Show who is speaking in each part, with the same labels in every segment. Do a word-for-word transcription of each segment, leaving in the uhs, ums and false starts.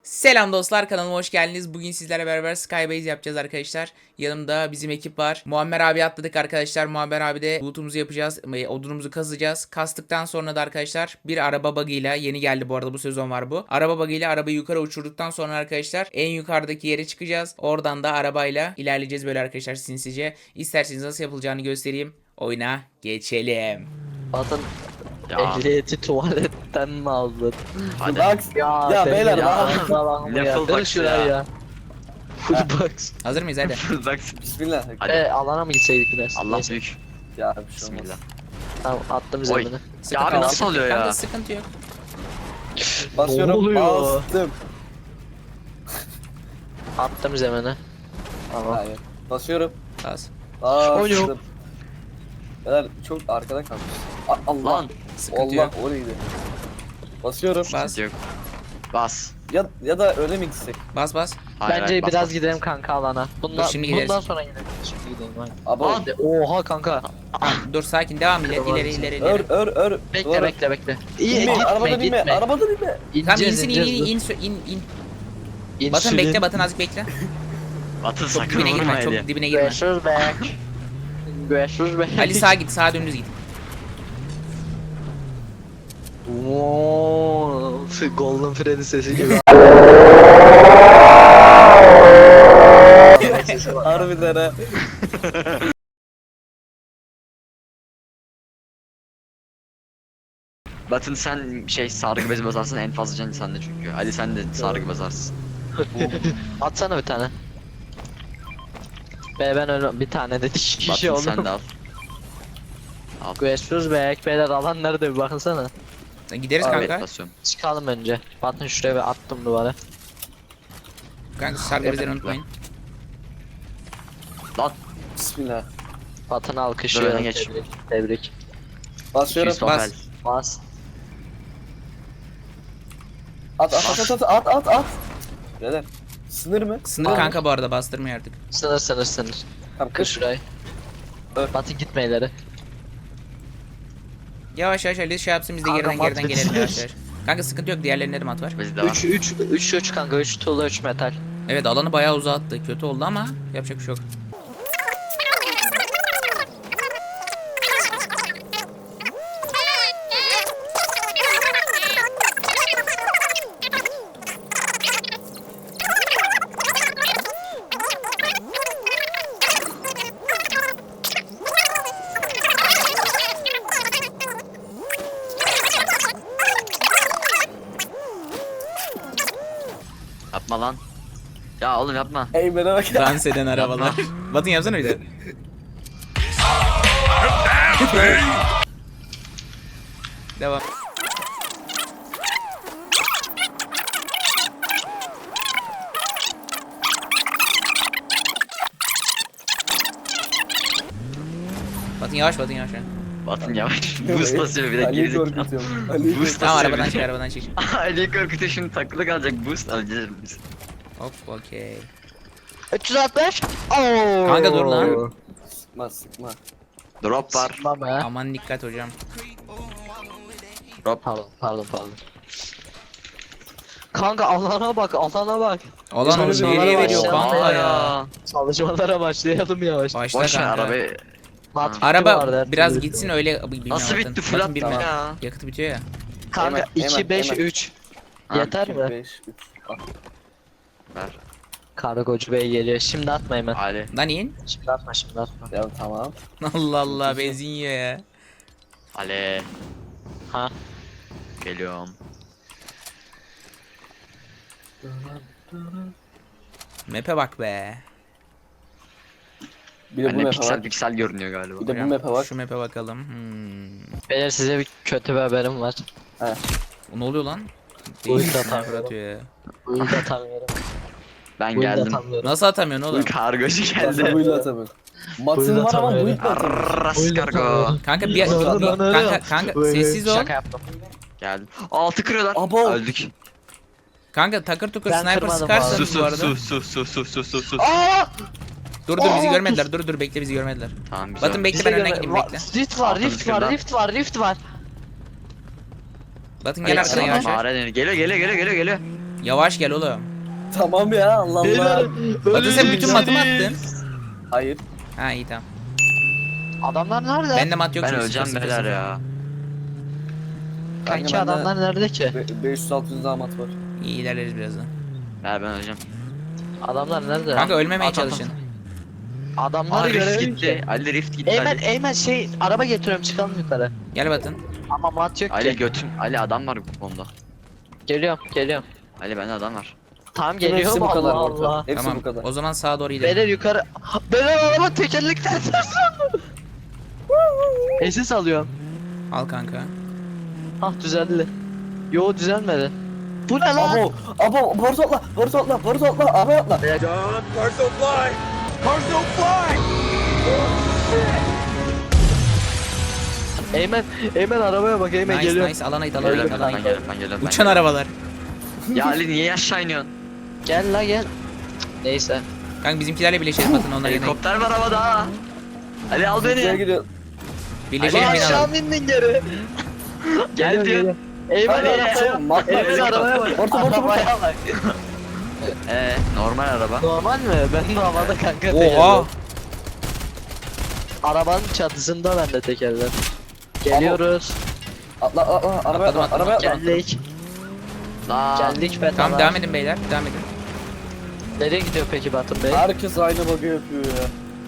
Speaker 1: Selam dostlar, kanalıma hoş geldiniz. Bugün sizlerle beraber Skybase yapacağız arkadaşlar. Yanımda bizim ekip var. Muammer abi atladık arkadaşlar. Muammer abi de lootumuzu yapacağız. Odunumuzu kazacağız. Kastıktan sonra da arkadaşlar bir araba bug'ıyla, yeni geldi bu arada, bu sezon var bu. Araba bug'ıyla arabayı yukarı uçurduktan sonra arkadaşlar en yukarıdaki yere çıkacağız. Oradan da arabayla ilerleyeceğiz böyle arkadaşlar, sinsice. İsterseniz nasıl yapılacağını göstereyim. Oyuna geçelim.
Speaker 2: Zaten
Speaker 3: Ya.
Speaker 2: ehliyeti tuvaletten mi aldın?
Speaker 3: Hadi.
Speaker 4: Box.
Speaker 2: Ya,
Speaker 4: Ya
Speaker 2: senin
Speaker 4: beyler,
Speaker 2: ya.
Speaker 3: Ne
Speaker 2: Ne
Speaker 3: full
Speaker 2: full
Speaker 3: box
Speaker 2: şuraya
Speaker 3: ya?
Speaker 2: ya. Full box.
Speaker 1: Hazır mıyız hadi?
Speaker 3: Bak.
Speaker 4: Bismillah.
Speaker 3: Hadi.
Speaker 2: E alana mı gitseydik biraz?
Speaker 3: Allah
Speaker 2: Neyse.
Speaker 3: büyük.
Speaker 4: Ya bir şey olmaz.
Speaker 3: Bismillah.
Speaker 2: Tamam attım
Speaker 3: Oy.
Speaker 2: zemine.
Speaker 1: Sıkıntı
Speaker 3: abi
Speaker 1: yok,
Speaker 3: nasıl
Speaker 1: sıkıntı
Speaker 3: oluyor
Speaker 1: yok.
Speaker 3: ya?
Speaker 1: Kanka sıkıntı yok.
Speaker 4: Basıyorum.
Speaker 2: Ne oluyor?
Speaker 4: Bastım.
Speaker 2: Attım zemine. Tamam.
Speaker 4: Hayır. Basıyorum.
Speaker 1: Bas.
Speaker 4: Bastım. Beyler çok arkada kalmış. A- Allah.
Speaker 3: Lan.
Speaker 1: Sıkıntı
Speaker 4: Allah
Speaker 1: yok.
Speaker 4: o neydi? Basıyorum.
Speaker 1: Bas.
Speaker 3: Yok. Bas.
Speaker 4: Ya ya da öyle mi gitsek?
Speaker 1: Bas bas.
Speaker 3: Hayır,
Speaker 2: Bence
Speaker 3: hayır, bas,
Speaker 2: biraz
Speaker 3: bas.
Speaker 2: gidelim kanka alana. Bundan,
Speaker 1: Dur, şimdi gideriz.
Speaker 2: bundan sonra gidelim. Şimdi gidelim hadi.
Speaker 4: Abo.
Speaker 3: Lan.
Speaker 2: Oha kanka.
Speaker 1: Tamam, dur sakin, devam ileri
Speaker 2: Tamam.
Speaker 1: ileri ileri
Speaker 4: Ör
Speaker 1: ileri.
Speaker 4: ör ör.
Speaker 2: Bekle
Speaker 4: Doğru.
Speaker 2: bekle bekle.
Speaker 4: İnme,
Speaker 2: gitme
Speaker 4: arabada binme,
Speaker 2: gitme.
Speaker 4: arabada binme.
Speaker 1: Tamam,
Speaker 2: İneceğiz,
Speaker 1: insin in
Speaker 2: ineceğiz,
Speaker 1: in
Speaker 2: dur.
Speaker 1: in in in. Batın
Speaker 2: İnsülin.
Speaker 1: bekle, Batın azıcık bekle.
Speaker 3: Batın
Speaker 1: Çok
Speaker 3: sakın
Speaker 1: dibine
Speaker 3: vurma
Speaker 1: girme,
Speaker 3: Eli.
Speaker 1: çok dibine girme.
Speaker 2: Görüşürüz be. Görüşürüz be.
Speaker 1: Ali sağa git, sağa dümdüz git.
Speaker 2: Ooo, Golden Freddy sesi gibi.
Speaker 4: Harbiden ha.
Speaker 3: Batın sen şey sargı bezi basarsın, en fazla can sende çünkü. Ali sen de sargı basarsın.
Speaker 2: Atsana bir tane. Be ben öyle bir tane de iki kişi
Speaker 3: Batın sen
Speaker 2: oldum.
Speaker 3: de al.
Speaker 2: Görüşürüz be. Beyler alan nerede bir bakınsana.
Speaker 1: Gideriz
Speaker 4: Abi,
Speaker 1: kanka.
Speaker 3: Evet basıyorum.
Speaker 2: Çıkalım önce. Batın şuraya bir attım duvara.
Speaker 1: Kanka sargı bezleri unutmayın.
Speaker 3: Lan.
Speaker 4: Bismillah.
Speaker 2: Batın
Speaker 3: Dur,
Speaker 2: alkışlıyor.
Speaker 3: öne geç.
Speaker 2: Tebrik. Tebrik.
Speaker 4: Basıyorum.
Speaker 3: iki yüz
Speaker 1: bas.
Speaker 3: topel.
Speaker 2: Bas.
Speaker 4: At at at at at at at. Beyler. Sınır mı?
Speaker 1: Sınır
Speaker 2: Aa.
Speaker 1: kanka, bu arada bastırmıyor artık.
Speaker 2: Sınır sınır sınır.
Speaker 4: Tamam
Speaker 2: Kır
Speaker 4: kır.
Speaker 2: şurayı.
Speaker 4: Ör.
Speaker 2: Batın gitme ileri.
Speaker 1: Yavaş yavaş Ali şey yapsın, biz de
Speaker 2: Kanka,
Speaker 1: geriden
Speaker 2: mat
Speaker 1: geriden gelelim
Speaker 2: bitsin.
Speaker 1: yavaş yavaş. Kanka sıkıntı yok, diğerlerinde de mat var.
Speaker 3: Bizde var.
Speaker 2: üç üç üç üç kanka üç tuğla üç metal.
Speaker 1: Evet, alanı bayağı uzattı. Kötü oldu ama yapacak bir şey yok.
Speaker 3: Yapma lan. Ya oğlum yapma.
Speaker 4: Ey bana bak.
Speaker 1: Dans eden arabalar. Batın yapsana bir de. Devam. Batın yavaş, Batın yavaş.
Speaker 3: Batın yavaş. Boost basıyor bir de
Speaker 4: Ali'yi
Speaker 3: gerizekalı.
Speaker 4: korkutuyorum. Ali'yi
Speaker 3: Boost
Speaker 1: Tamam,
Speaker 3: basıyor
Speaker 1: arabadan
Speaker 3: bir
Speaker 1: çık,
Speaker 3: de.
Speaker 1: arabadan çık.
Speaker 3: Ali korkutuyor, şimdi takılı kalacak, boost alacağız biz.
Speaker 1: Hop, okey.
Speaker 2: üç yüz altmış. Oo.
Speaker 1: Kanka dur lan.
Speaker 4: Sıkma sıkma.
Speaker 3: Drop var.
Speaker 2: Sıkma be.
Speaker 1: Aman dikkat hocam.
Speaker 3: Drop.
Speaker 2: Pardon pardon pardon. Kanka alana bak alana bak.
Speaker 1: Olan
Speaker 4: Çalışmalara
Speaker 1: nereye veriyor
Speaker 2: başlayalım
Speaker 1: kanka
Speaker 2: ya.
Speaker 1: ya?
Speaker 2: Çalışmalara başlayalım yavaş.
Speaker 1: Başla
Speaker 3: Boş ver
Speaker 1: kanka.
Speaker 3: arabayı.
Speaker 2: Mat fikri
Speaker 1: Araba
Speaker 2: vardı, her
Speaker 1: biraz
Speaker 2: türlü.
Speaker 1: gitsin öyle. Bilmiyorum,
Speaker 3: Nasıl
Speaker 1: Batın.
Speaker 3: bitti
Speaker 1: Batın
Speaker 3: flat
Speaker 1: bilmiyorum.
Speaker 3: ya?
Speaker 1: Yakıtı bitiyor ya.
Speaker 2: Kanka
Speaker 4: Hemen,
Speaker 2: iki
Speaker 4: hemen,
Speaker 2: beş
Speaker 4: hemen.
Speaker 2: üç.
Speaker 3: Ha,
Speaker 2: Yeter mi?
Speaker 4: beş üç. Bak.
Speaker 3: Ver.
Speaker 2: Kargocu bey geliyor. Şimdi atma hemen.
Speaker 3: Ali.
Speaker 1: Lan in.
Speaker 2: Şimdi atma şimdi atma.
Speaker 4: Ya tamam.
Speaker 1: Allah Allah, benzin yiyor ya.
Speaker 3: Ali.
Speaker 2: Ha.
Speaker 3: Geliyorum.
Speaker 1: Map'e bak be.
Speaker 4: Bir de bu
Speaker 3: Anne
Speaker 4: map'e
Speaker 3: piksel
Speaker 4: bak.
Speaker 3: piksel görünüyor galiba.
Speaker 4: Bir de bu
Speaker 1: Hocam,
Speaker 4: map'e bak.
Speaker 1: Şu map'e bakalım. Hmm.
Speaker 2: Beyler size bir kötü bir haberim var.
Speaker 4: He.
Speaker 1: O ne oluyor lan?
Speaker 2: Oyun
Speaker 1: Değil,
Speaker 2: da
Speaker 1: sniper
Speaker 2: atamıyorum.
Speaker 1: atıyor ya.
Speaker 2: Bu yılda atamıyorum.
Speaker 3: Ben
Speaker 2: Bu yılda
Speaker 3: geldim.
Speaker 2: atamıyorum.
Speaker 1: Nasıl atamıyorsun oğlum?
Speaker 3: Kargocu
Speaker 4: Nasıl
Speaker 3: geldi.
Speaker 4: buyla atamıyorum. Matın var ama
Speaker 2: atamıyorum.
Speaker 4: buyla atamıyorum.
Speaker 3: Ras kargo.
Speaker 1: Kanka bir kanka kanka sessiz ol.
Speaker 2: Şaka yaptım.
Speaker 3: Geldim. Altı kırıyorlar.
Speaker 4: Abo.
Speaker 3: Öldük.
Speaker 1: Kanka takır tukur
Speaker 2: Ben
Speaker 1: sniper
Speaker 2: kırmadım
Speaker 3: Su
Speaker 1: sıkarsanız bu
Speaker 3: su
Speaker 1: arada.
Speaker 3: su su su su su su su.
Speaker 2: Aa!
Speaker 1: Dur dur, bizi
Speaker 2: Aa,
Speaker 1: görmediler. Dur dur, bekle, bizi görmediler.
Speaker 3: Tamam güzel.
Speaker 1: Batın bekle,
Speaker 2: Bize
Speaker 1: ben önden
Speaker 2: göre-
Speaker 1: gideyim,
Speaker 2: Va-
Speaker 1: bekle.
Speaker 2: Rift var,
Speaker 3: Altın
Speaker 2: rift var,
Speaker 3: kırdan.
Speaker 2: rift var, rift var.
Speaker 1: Batın gel
Speaker 2: Ay,
Speaker 1: arkadan
Speaker 2: sana
Speaker 1: yavaş yavaş.
Speaker 3: Mağara dönüyor. Geliyor geliyor geliyor geliyor geliyor.
Speaker 1: Yavaş gel oğlum.
Speaker 4: Tamam ya Allah Allah.
Speaker 1: Batu sen bütün matı mı attın?
Speaker 4: Hayır.
Speaker 1: Ha iyi tamam.
Speaker 2: Adamlar nerede?
Speaker 1: Bende mat yok.
Speaker 3: Ben
Speaker 1: çünkü
Speaker 3: öleceğim
Speaker 1: sıfır,
Speaker 3: beyler
Speaker 1: sıfır.
Speaker 3: ya.
Speaker 2: Kanki
Speaker 4: Kanka bende-
Speaker 2: adamlar nerede ki?
Speaker 4: Be- beş yüz altı yüz damat var.
Speaker 1: İyi ilerleriz birazdan.
Speaker 3: Ben ben öleceğim.
Speaker 2: Adamlar nerede?
Speaker 1: Kanka ölmemeye
Speaker 3: At, at, at.
Speaker 1: çalışın.
Speaker 2: Adamları
Speaker 3: Aa rift
Speaker 2: görelim
Speaker 3: gitti.
Speaker 2: ki.
Speaker 3: Ali rift gitti.
Speaker 2: Eymen,
Speaker 3: Ali.
Speaker 2: Eymen şey araba getiriyorum çıkalım yukarı.
Speaker 1: Gel Batın.
Speaker 2: Ama mat yok
Speaker 3: Ali
Speaker 2: ki.
Speaker 3: götüm. Ali adam var bu konuda.
Speaker 2: Geliyorum, geliyorum.
Speaker 3: Ali bende adam var.
Speaker 2: Tamam
Speaker 4: Hepsi
Speaker 2: geliyor
Speaker 4: bu
Speaker 2: mu
Speaker 4: kadar
Speaker 2: Allah
Speaker 4: orta.
Speaker 2: Allah.
Speaker 4: Hepsi
Speaker 1: Tamam.
Speaker 4: bu kadar.
Speaker 1: O zaman sağa doğru gidelim.
Speaker 2: Beyler yukarı. Beyler araba tekerlekten ters döndü. Esis alıyorum.
Speaker 1: Al kanka.
Speaker 2: Ah düzeldi. Yo düzelmedi. Bu ne lan?
Speaker 4: Abo, abo, Bartu atla, Bartu atla, Bartu atla, arabaya atla.
Speaker 2: Eymen, Eymen arabaya bak Eymen
Speaker 1: Nice
Speaker 2: geliyor.
Speaker 1: nice alana it alana it
Speaker 3: Geliyorum
Speaker 1: alana
Speaker 3: ben
Speaker 1: it.
Speaker 3: geliyorum ben geliyorum. ben
Speaker 1: Uçan
Speaker 3: geliyorum.
Speaker 1: arabalar.
Speaker 3: Ya Ali niye aşağı iniyorsun?
Speaker 2: Gel la gel. Neyse.
Speaker 1: Kanka bizimkilerle birleşelim Batın onlara yanayım.
Speaker 3: Helikopter var havada. Ali al
Speaker 4: Nereye
Speaker 3: beni.
Speaker 4: gidiyor?
Speaker 1: Birleşelim
Speaker 2: Lan
Speaker 1: beni
Speaker 2: aşağı
Speaker 1: alalım.
Speaker 2: mı indin geri?
Speaker 3: Gel diyor.
Speaker 2: Eymen
Speaker 4: Hadi,
Speaker 2: arabaya.
Speaker 4: hadi, mat var,
Speaker 2: Eymen
Speaker 4: helikopter.
Speaker 2: arabaya bak.
Speaker 4: Bartu, Bartu, Bartu.
Speaker 2: Arabaya bak.
Speaker 3: Ee normal araba.
Speaker 2: Normal mi? Ben de havada kanka
Speaker 1: Oha.
Speaker 2: tekerler. Arabanın çatısında bende tekerler. Geliyoruz.
Speaker 4: Atla, atla, atla, arabaya
Speaker 1: Atladım,
Speaker 4: atla,
Speaker 1: atladım.
Speaker 4: arabaya atla.
Speaker 2: Geldik.
Speaker 3: La.
Speaker 2: Geldik be
Speaker 1: Tamam devam edin beyler. Devam edin.
Speaker 2: Nereye gidiyor peki Batın Bey?
Speaker 4: Herkes aynı bug'ı yapıyor ya.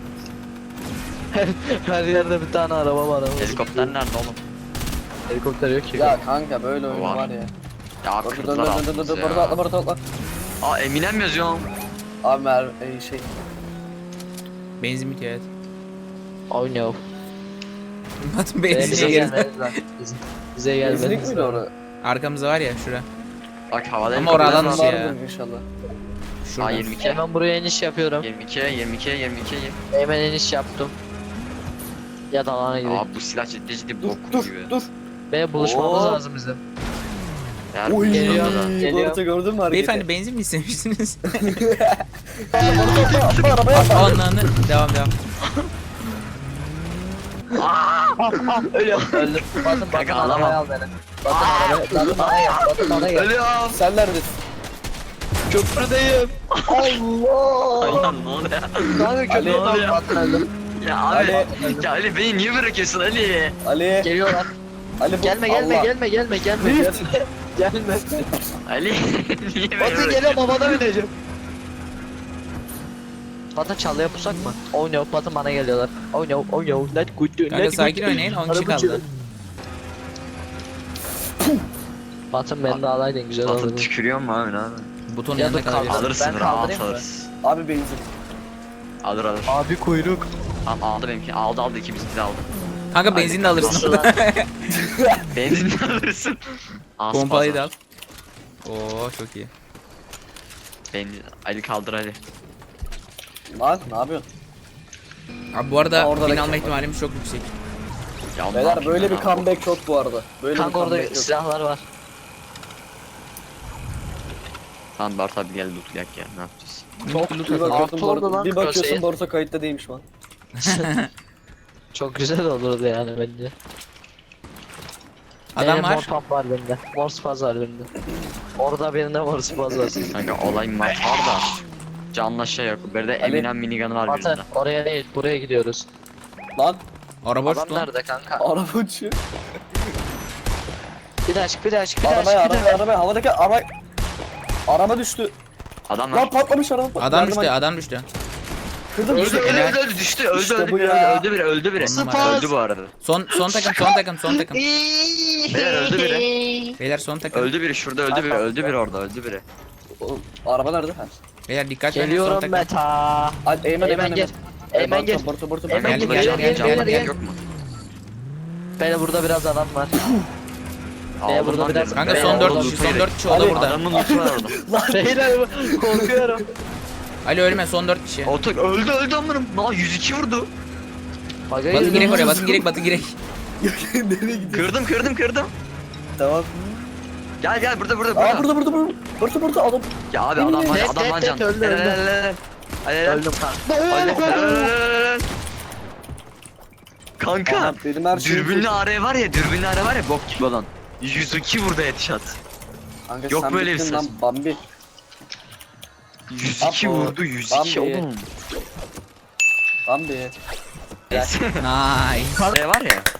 Speaker 2: Her yerde bir tane araba var ama.
Speaker 3: Helikopter nerede oğlum?
Speaker 2: Helikopter yok ki.
Speaker 4: Ya kanka böyle oyun
Speaker 3: Var.
Speaker 4: var ya.
Speaker 3: Ya
Speaker 4: Bartu, dur, dur,
Speaker 3: kırdılar
Speaker 4: dur, dur, dur,
Speaker 3: altımızı
Speaker 4: Bartu atla,
Speaker 3: ya.
Speaker 4: Bartu atla.
Speaker 3: Aa Eminem yazıyorum.
Speaker 4: Abi mer, e, şey.
Speaker 1: Benzin bitiyor evet.
Speaker 2: Oh no.
Speaker 1: Batın
Speaker 2: Bize
Speaker 1: benzinliğe geri.
Speaker 2: gelmeniz lazım. Bize- Bize
Speaker 4: Benzinlik
Speaker 2: gelmeniz
Speaker 4: miydi
Speaker 2: lazım.
Speaker 4: orada?
Speaker 1: Arkamızda var ya şura.
Speaker 3: Bak havada
Speaker 1: Ama
Speaker 3: helikopter
Speaker 1: oradan
Speaker 3: var.
Speaker 1: dışı ya.
Speaker 4: Vardır inşallah.
Speaker 3: Aa
Speaker 1: Şurada.
Speaker 3: yirmi iki.
Speaker 2: Hemen buraya iniş yapıyorum.
Speaker 3: yirmi iki, yirmi iki, yirmi iki.
Speaker 2: Hemen iniş yaptım. Ya da alana gidelim.
Speaker 3: Aa bu silah ciddi ciddi
Speaker 4: Dur,
Speaker 3: bok
Speaker 4: dur,
Speaker 3: gibi.
Speaker 4: dur.
Speaker 2: Ve buluşmamız
Speaker 4: Oo.
Speaker 2: lazım bizim.
Speaker 3: Eğer
Speaker 4: Oy,
Speaker 2: Geliyor,
Speaker 3: da.
Speaker 2: geliyor.
Speaker 4: Bartu gördün mü hareketi?
Speaker 1: Beyefendi benzin mi istemiştiniz?
Speaker 4: Aa, Bartu atla, atla, arabaya atla.
Speaker 1: Ananı. Devam devam.
Speaker 2: Ölüyorum. Öldüm. Batın Batın
Speaker 3: Kanka,
Speaker 2: arabaya
Speaker 3: alamam.
Speaker 2: al beni. Batın arabaya, Batın bana gel. Batın bana gel.
Speaker 3: Ölüyorum.
Speaker 4: Sen neredesin?
Speaker 2: Köprüdeyim. Allah.
Speaker 3: Aynen ne oluyor?
Speaker 2: Kanka
Speaker 4: Ali,
Speaker 2: köprüdeyim.
Speaker 3: Ali.
Speaker 2: Batın öldüm.
Speaker 3: Ya abi.
Speaker 4: Ali.
Speaker 3: Ya Ali beni niye bırakıyorsun Ali?
Speaker 4: Ali,
Speaker 2: Geliyorlar.
Speaker 4: Ali bu
Speaker 2: Gelme gelme
Speaker 4: Allah.
Speaker 2: gelme gelme gelme.
Speaker 4: Rift.
Speaker 2: Gelme.
Speaker 3: Ali niye beni
Speaker 2: Batın
Speaker 3: bırakıyorsun?
Speaker 2: geliyor babana bineceğim. Batın çalıya pusak mı? Oh no Batın bana geliyorlar. Oh no oh no let good do.
Speaker 1: Kanka sakin oynayın. on kişi kaldı.
Speaker 2: Batın beni de alaydın güzel
Speaker 3: Batı
Speaker 2: olurdu.
Speaker 3: tükürüyor mu abi ne abi?
Speaker 1: Butonun
Speaker 2: Ya
Speaker 1: yanında
Speaker 2: da kaldır.
Speaker 1: kalabilirsin.
Speaker 3: Alırsın
Speaker 2: Ben
Speaker 3: rahat
Speaker 2: kaldırayım mı?
Speaker 3: alırsın.
Speaker 4: Abi benzin.
Speaker 3: Alır alır.
Speaker 2: Abi kuyruk.
Speaker 3: Tamam aldı benimki. Aldı aldı ikimizinki de aldı.
Speaker 1: Kanka benzin de alırsın.
Speaker 2: Nasıl lan?
Speaker 3: Benzin de alırsın. Aa,
Speaker 1: Pompayı
Speaker 3: spazm.
Speaker 1: da al. Oo çok iyi.
Speaker 3: Benzin. Ali kaldır Ali.
Speaker 4: Lan ne yapıyorsun?
Speaker 1: Abi bu arada
Speaker 4: Aa, orada
Speaker 1: bin
Speaker 4: da-
Speaker 1: alma ihtimalimiz çok yüksek.
Speaker 3: Ya onu ne
Speaker 4: Beyler
Speaker 3: yapayım
Speaker 4: böyle
Speaker 3: ben
Speaker 4: bir
Speaker 3: abi?
Speaker 4: comeback yok bu arada. Böyle bir
Speaker 2: Kanka orada
Speaker 4: comeback yok.
Speaker 2: silahlar var.
Speaker 3: Tamam Bart abi gel loot yak ya ne yapacağız?
Speaker 1: Çok
Speaker 4: Bir
Speaker 1: loot
Speaker 4: bakıyorsun,
Speaker 2: Artı oldu
Speaker 4: Bartu,
Speaker 2: lan
Speaker 4: bir bakıyorsun
Speaker 2: Hüseyin.
Speaker 4: Bartu kayıtta değilmiş lan.
Speaker 2: Çok güzel olurdu yani bence.
Speaker 1: Adam
Speaker 2: Benim
Speaker 1: var.
Speaker 2: Mor pump var bende. Mor spaz var bende. Orada birinde mor spaz var.
Speaker 3: Kanka olay mat var da. Canla şey yok. Bir de
Speaker 4: Ali.
Speaker 3: Eminem minigun'u var
Speaker 2: Batı
Speaker 3: birinde.
Speaker 2: oraya değil buraya gidiyoruz.
Speaker 4: Lan
Speaker 1: Araba
Speaker 2: Adam
Speaker 1: uçtu lan.
Speaker 2: nerede kanka?
Speaker 4: araba uçuyor.
Speaker 2: Bir daha çık bir daha çık bir daha
Speaker 4: Arabaya
Speaker 2: çık bir
Speaker 4: arabaya
Speaker 2: daha.
Speaker 4: arabaya havadaki araba. Araba düştü.
Speaker 3: Adam
Speaker 4: Lan
Speaker 3: var.
Speaker 4: patlamış araba. patladı.
Speaker 1: Adam
Speaker 4: Yardım
Speaker 1: düştü
Speaker 4: et.
Speaker 1: adam düştü.
Speaker 4: Kırdım
Speaker 3: Öldü
Speaker 4: düştü.
Speaker 3: öldü
Speaker 1: Helal.
Speaker 3: öldü öldü düştü öldü
Speaker 4: İşte
Speaker 3: öldü
Speaker 4: bu
Speaker 3: biri
Speaker 4: ya.
Speaker 3: öldü biri öldü biri.
Speaker 1: On numara.
Speaker 3: Öldü bu arada.
Speaker 1: Son son takım son takım son takım.
Speaker 3: Beyler öldü biri.
Speaker 1: Beyler son takım.
Speaker 3: Öldü biri şurada öldü biri öldü biri orada öldü biri.
Speaker 4: Oğlum, araba nerede? Ha.
Speaker 1: Beyler dikkat verin son
Speaker 2: Geliyorum
Speaker 1: takım.
Speaker 2: Meta.
Speaker 4: Hadi Eymen
Speaker 2: Eymen
Speaker 4: Eymen
Speaker 2: gel.
Speaker 4: Eymen.
Speaker 2: Eymen gel.
Speaker 4: Bartu Bartu
Speaker 2: Eymen
Speaker 3: Hemen
Speaker 1: gel,
Speaker 3: burada
Speaker 1: gel,
Speaker 3: can
Speaker 1: gel,
Speaker 3: can
Speaker 1: gel,
Speaker 3: can
Speaker 1: gel.
Speaker 3: yok mu?
Speaker 2: Beyler burada biraz adam var.
Speaker 3: Aldım
Speaker 2: burada
Speaker 3: lan
Speaker 2: biraz-
Speaker 3: dedim.
Speaker 1: Kanka
Speaker 3: Beyler,
Speaker 1: son dört
Speaker 3: orada
Speaker 1: kişi
Speaker 3: loot'u
Speaker 1: son
Speaker 3: yedik.
Speaker 1: dört kişi o da
Speaker 4: Ali,
Speaker 1: burada.
Speaker 3: Adamın loot'u var orada.
Speaker 2: Beyler korkuyorum.
Speaker 1: Ali ölme son dört kişi.
Speaker 3: Otak öldü öldü amınım. Aa yüz iki vurdu.
Speaker 2: Bagaya
Speaker 1: Batın
Speaker 2: gidiyorum.
Speaker 1: girek oraya batın girek batın girek.
Speaker 4: Nereye gidiyor?
Speaker 3: Kırdım kırdım kırdım.
Speaker 4: Tamam.
Speaker 3: Gel gel burada burada
Speaker 4: Aa
Speaker 3: burada.
Speaker 4: burada burada burada. Bartu Bartu adam.
Speaker 3: Ya abi adam var
Speaker 2: Tet,
Speaker 3: adam
Speaker 2: tet,
Speaker 3: var
Speaker 2: tet,
Speaker 3: can.
Speaker 2: öldü,
Speaker 3: Helal,
Speaker 2: öldü.
Speaker 3: helal, helal. Helal, helal.
Speaker 2: Öldüm kanka.
Speaker 3: Helal, helal, helal, helal. Kanka
Speaker 4: Aha, benim her şeyim
Speaker 3: dürbünlü
Speaker 4: full.
Speaker 3: araya var ya dürbünlü araya var ya bok gibi olan. yüz iki vurdu headshot.
Speaker 4: Kanka
Speaker 3: Yok
Speaker 4: sen
Speaker 3: böyle bir
Speaker 4: bittin
Speaker 3: ses.
Speaker 4: lan Bambi.
Speaker 3: yüz iki
Speaker 4: Apo,
Speaker 3: vurdu yüz iki
Speaker 4: Bambi.
Speaker 3: oğlum.
Speaker 4: Bambi.
Speaker 3: Neyse.
Speaker 1: Nice.
Speaker 3: Şey var ya.